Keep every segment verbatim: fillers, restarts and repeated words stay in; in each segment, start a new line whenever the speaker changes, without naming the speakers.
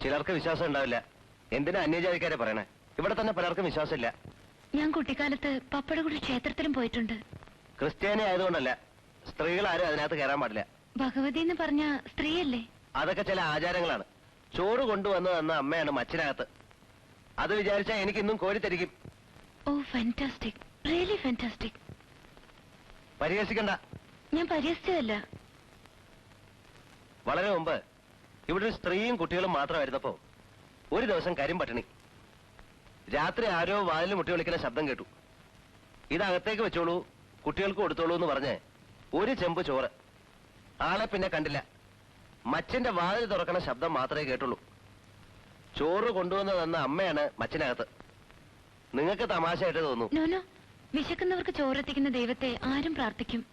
ചിലർക്ക് വിശ്വാസം ഉണ്ടാവില്ല. എന്തിനാ അന്യജാതിക്കാരെ പറയണേ? ഇവിടെ തന്നെ പലർക്കും വിശ്വാസമില്ല.
ഞാൻ കുട്ടിക്കാലത്ത് പപ്പയുടെ കൂടി ക്ഷേത്രത്തിലും പോയിട്ടുണ്ട്.
ക്രിസ്ത്യാനി ആയതുകൊണ്ടല്ല, സ്ത്രീകൾ ആരും അതിനകത്ത് കയറാൻ പാടില്ല.
ഭഗവതി എന്ന് പറഞ്ഞ സ്ത്രീയല്ലേ?
അതൊക്കെ ചില ആചാരങ്ങളാണ്. ചോറ് കൊണ്ടുവന്നു തന്ന അമ്മയാണ് മച്ചിനകത്ത്. അത് വിചാരിച്ചാൽ എനിക്ക് ഇന്നും കോരിത്തരിക്കും.
Oh fantastic, really fantastic.
പരിഹസിക്കണ്ട.
ഞാൻ പരിഹസിച്ചതല്ല.
വളരെ മുമ്പ് ഇവിടെ ഒരു സ്ത്രീയും കുട്ടികളും മാത്രമായിരുന്നപ്പോ ഒരു ദിവസം കരിമ്പട്ടിണി. രാത്രി ആരോ വാതിൽ മുട്ടി വിളിക്കുന്ന ശബ്ദം കേട്ടു. ഇതകത്തേക്ക് വെച്ചോളൂ, കുട്ടികൾക്ക് കൊടുത്തോളൂ എന്ന് പറഞ്ഞ് ഒരു ചെമ്പ് ചോറ്. ആളെ പിന്നെ കണ്ടില്ല. മച്ചിന്റെ വാതിൽ തുറക്കണ ശബ്ദം മാത്രമേ കേട്ടുള്ളൂ. ചോറ് കൊണ്ടുവന്ന് തന്ന അമ്മയാണ് മച്ചിനകത്ത്. നിങ്ങൾക്ക് തമാശയായിട്ട് തോന്നും.
നോനോ, വിശക്കുന്നവർക്ക് ചോറെത്തിക്കുന്ന ദൈവത്തെ ആരും പ്രാർത്ഥിക്കും.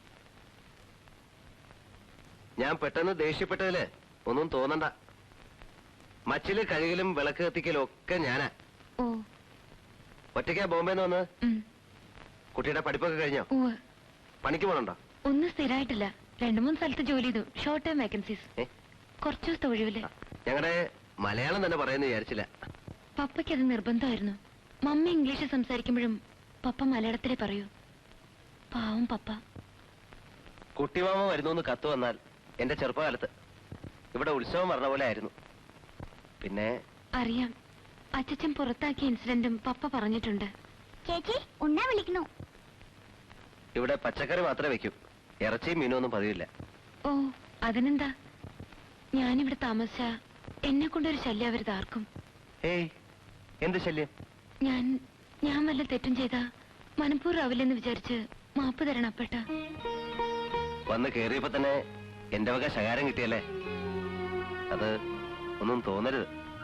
ഞാൻ പെട്ടെന്ന് ദേഷ്യപ്പെട്ടതില് ഒന്നും തോന്നണ്ട. മച്ചില് കഴുകലും വിളക്ക് കത്തിക്കലും ഒക്കെ ഞാനാ.
ഓ,
ഒറ്റയ്ക്കാ ബോംബെന്ന് വന്ന്? കുട്ടിയുടെ പഠിപ്പൊക്കെ കഴിഞ്ഞോ? പണിക്ക് പോണുണ്ടോ?
ഒന്നും സ്ഥിരമായിട്ടില്ല. രണ്ടു മൂന്ന് സ്ഥലത്ത് ജോലി ചെയ്തു. Short time vacancies. കുറച്ചു ദിവസത്തെ ഒഴിവില്.
ഞങ്ങളുടെ മലയാളം തന്നെ പറയുന്ന വിചാരിച്ചില്ല.
പപ്പയ്ക്ക് അത് നിർബന്ധമായിരുന്നു. മമ്മി ഇംഗ്ലീഷ് സംസാരിക്കുമ്പോഴും പപ്പ മലയാളത്തിലേ പറയൂ. പാവം പപ്പ.
കുട്ടിമാമ വരുന്നു കത്ത് വന്നാൽ എന്റെ ചെറുപ്പകാലത്ത് ഇവിടെ ഉത്സവം പറഞ്ഞ പോലെ ആയിരുന്നു. പിന്നെ
അറിയാം, അച്ഛൻ പുറത്താക്കിയ ഇൻസിഡന്റും പപ്പ പറഞ്ഞിട്ടുണ്ട്.
ചേച്ചി ഉണ്ണാ വിളിക്കണു.
ഇവിടെ പച്ചക്കറി മാത്രമേ വെക്കൂ. ഇറച്ചിയും മീനും ഒന്നും പതിവില്ല.
ഓ, അതിനെന്താ? ഞാനിവിടെ താമസിച്ച എന്നെ കൊണ്ടൊരു ശല്യം അവരുത് ആർക്കും.
ഏയ്, എന്ത് ശല്യം?
ഞാൻ ഞാൻ വല്ല തെറ്റും ചെയ്താ മനഃപൂർവ്വമില്ലെന്ന് വിചാരിച്ച് മാപ്പ് തരണം അപ്പേട്ട.
വന്ന് കേറിയപ്പോ തന്നെ എന്റെ വക ശകാരം കിട്ടിയല്ലേ? അത് ഒന്നും തോന്നരുത്.